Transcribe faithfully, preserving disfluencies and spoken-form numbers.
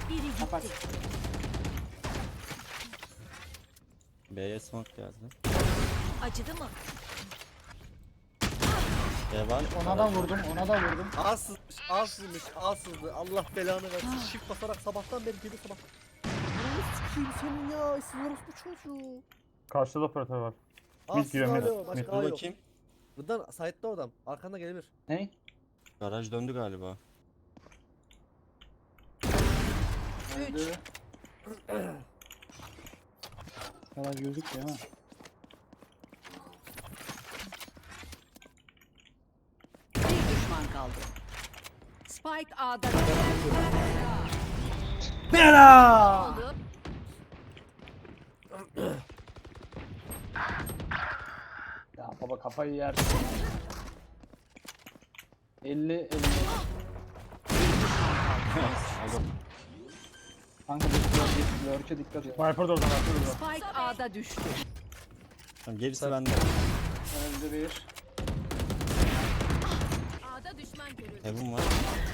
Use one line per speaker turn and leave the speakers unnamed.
Biri gitti.
Kapat.
B'ye smoke geldi.
Acıdı mı?
B var.
Ona da vurdum, ona da vurdum.
Az sızmış, az sızmış, az sızdı. Allah belanı versin. Shift basarak sabahtan beri geri sabah. Ananı sikeyim senin ya. Sınırız bu çocuğu.
Karşıda da operatör var.
Az
giriyor, mid.
alo. Başka
Mid.
daha
Dur
yok.
bakayım.
Buradan site'da adam. Arkanda gelebilir.
Ney?
Garaj döndü galiba.
Öldü. Garaj gözükmüyor ha.
Bir düşman kaldı. Spike A'da.
Bela!
Oldu.
Ya baba kafayı yer. elli elli.
Alo.
Kanka bir lurk'e dikkat et.
Viper de oradan, Viper de oradan.
Spike A'da düştü.
Tamam, gerisi bende.
Öldü bir.
A'da düşman görüldü.
Heaven var.